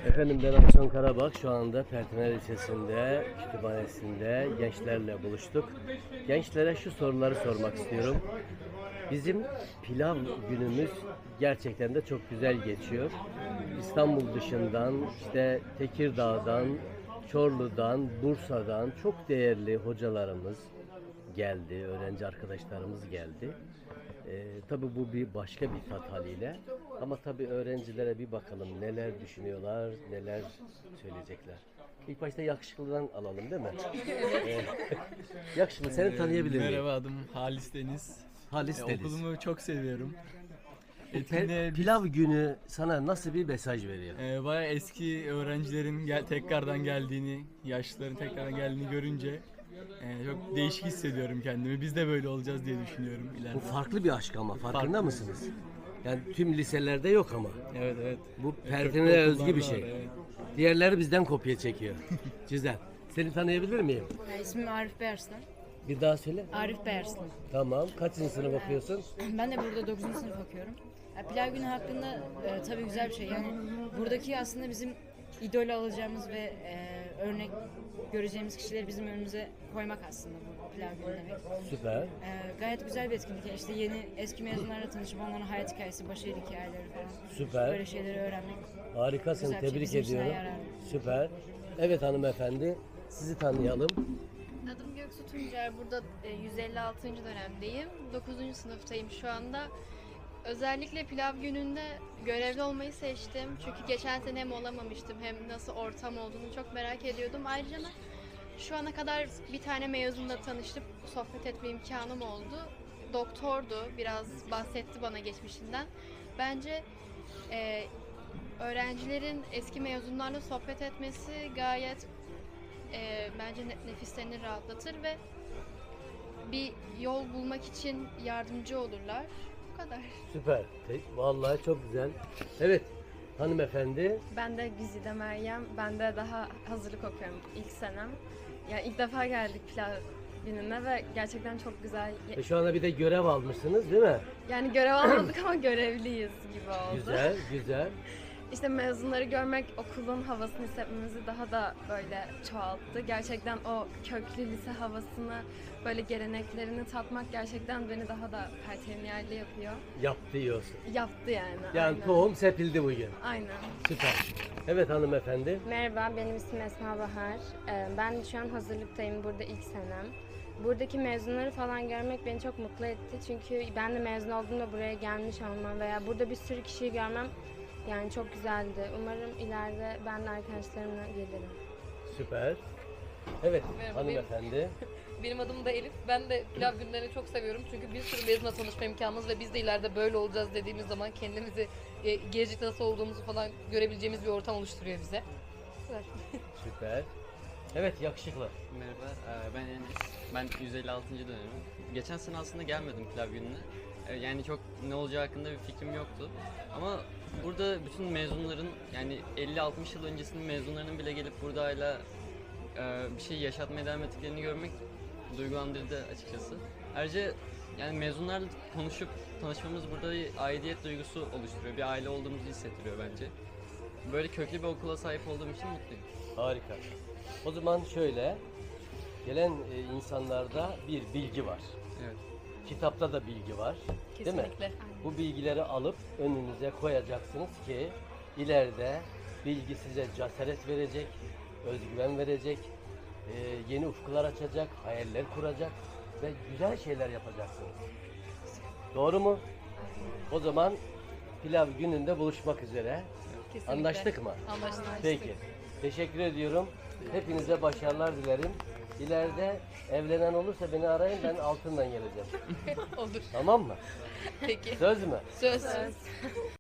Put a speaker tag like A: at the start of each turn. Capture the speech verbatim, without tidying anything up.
A: Efendim ben Akson Karabak. Şu anda Pertiner Lisesi'nde, kütüphanesinde gençlerle buluştuk. Gençlere şu soruları sormak istiyorum. Bizim pilav günümüz gerçekten de çok güzel geçiyor. İstanbul dışından, işte Tekirdağ'dan, Çorlu'dan, Bursa'dan çok değerli hocalarımız geldi, öğrenci arkadaşlarımız geldi. Ee, tabii bu bir başka bir tat haliyle. Ama tabii öğrencilere bir bakalım neler düşünüyorlar, neler söyleyecekler. İlk başta yakışıklıdan alalım değil mi? Ee, yakışıklı seni tanıyabilir miyim?
B: Merhaba, adım Halis Deniz.
A: Halis
B: E,
A: Deniz.
B: Okulumu çok seviyorum.
A: Pe-
B: Etkinliğe
A: Pilav günü sana nasıl bir mesaj veriyor?
B: e, bayağı eski öğrencilerin gel tekrardan geldiğini, yaşlıların tekrardan geldiğini görünce e, çok değişik hissediyorum kendimi. Biz de böyle olacağız diye düşünüyorum ileride.
A: Bu farklı bir aşk ama farkında
B: Farklı.
A: mısınız? Yani tüm liselerde yok ama.
B: Evet evet.
A: Bu
B: Evet,
A: Pertine'ye
B: çok
A: özgü bir
B: okullarda
A: şey.
B: var, evet.
A: Diğerleri bizden kopya çekiyor. Güzel. Seni tanıyabilir miyim?
C: Ya, İsmim Arif Beyarslan.
A: Bir daha söyle.
C: Arif Beyarslan.
A: Tamam. Kaçıncı sınıf okuyorsun?
C: Ben de burada dokuzuncu sınıf okuyorum. Ya, pilav günü hakkında e, tabii güzel bir şey. Yani buradaki aslında bizim idol alacağımız ve e, örnek göreceğimiz kişileri bizim önümüze koymak aslında bu pilav günü demek.
A: Süper.
C: E, gayet güzel bir etkinlik. Yani İşte yeni eski mezunlarla tanışıp onların hayat hikayesi, başarı hikayeleri falan.
A: Süper.
C: Böyle şeyleri öğrenmek.
A: Harikasın.
C: Güzel bir şey,
A: Tebrik
C: bizim için
A: ediyorum.
C: yararlı.
A: Süper. Evet hanımefendi. Sizi tanıyalım.
D: Adım Göksu Tuncer. Burada e, yüz elli altıncı dönemdeyim. dokuzuncu sınıftayım şu anda. Özellikle pilav gününde görevli olmayı seçtim. Çünkü geçen sene hem olamamıştım hem nasıl ortam olduğunu çok merak ediyordum. Ayrıca da şu ana kadar bir tane mezunla tanışıp sohbet etme imkanım oldu. Doktordu. Biraz bahsetti bana geçmişinden. Bence e, öğrencilerin eski mezunlarla sohbet etmesi gayet e, bence ne- nefislerini rahatlatır ve bir yol bulmak için yardımcı olurlar. Bu kadar.
A: Süper. Te- Vallahi çok güzel. Evet hanımefendi.
E: Ben de Güzide Meryem. Ben de daha hazırlık okuyorum ilk senem. Yani ilk defa geldik pilav gününe ve gerçekten çok güzel.
A: E şu anda bir de görev almışsınız değil mi?
E: Yani görev almadık ama görevliyiz gibi oldu.
A: Güzel, güzel.
E: İşte mezunları görmek okulun havasını hissetmemizi daha da böyle çoğalttı. Gerçekten o köklü lise havasını, böyle geleneklerini tatmak gerçekten beni daha da pertemniyerli yapıyor.
A: Yaptı diyorsun.
E: Yaptı yani.
A: Yani
E: aynen.
A: tohum sepildi bugün.
E: Aynen.
A: Süper. Evet hanımefendi.
F: Merhaba, benim ismim Esma Bahar. Ee, Ben şu an hazırlıktayım, burada ilk senem. Buradaki mezunları falan görmek beni çok mutlu etti. Çünkü ben de mezun olduğumda buraya gelmiş olmam veya burada bir sürü kişiyi görmem yani çok güzeldi. Umarım ileride ben de arkadaşlarımla gelirim.
A: Süper. Evet
G: Merhaba,
A: hanımefendi.
G: Benim adım da Elif. Ben de pilav günlerini çok seviyorum. Çünkü bir sürü mezunla tanışma imkanımız ve biz de ileride böyle olacağız dediğimiz zaman kendimizi e, gelecekte nasıl olduğumuzu falan görebileceğimiz bir ortam oluşturuyor bize.
A: Süper. Evet yakışıklı.
H: Merhaba, e, ben Enes. Ben yüz elli altıncı dönemim. Geçen sene aslında gelmedim pilav gününe. E, Yani çok ne olacağı hakkında bir fikrim yoktu. Ama burada bütün mezunların, yani elli altmış yıl öncesinin mezunlarının bile gelip burada hala e, bir şey yaşatmaya devam ettiklerini görmek duygulandırdı açıkçası. Ayrıca yani mezunlarla konuşup tanışmamız burada bir aidiyet duygusu oluşturuyor. Bir aile olduğumuzu hissettiriyor bence. Böyle köklü bir okula sahip olduğum için mutluyum.
A: Harika. O zaman şöyle. Gelen e, insanlarda bir bilgi var.
H: Evet.
A: Kitapta da bilgi var. Değil mi?
G: Kesinlikle.
A: Bu bilgileri alıp önünüze koyacaksınız ki ileride bilgi size cesaret verecek, özgüven verecek, e, yeni ufuklar açacak, hayaller kuracak ve güzel şeyler yapacaksınız. Doğru mu? O zaman pilav gününde buluşmak üzere.
G: Kesinlikle.
A: Anlaştık mı?
G: Anlaştık.
A: Peki. Teşekkür ediyorum. Hepinize başarılar dilerim. İleride evlenen olursa beni arayın, ben altından geleceğim.
G: Olur.
A: Tamam mı?
G: Peki.
A: Söz mü?
G: Söz.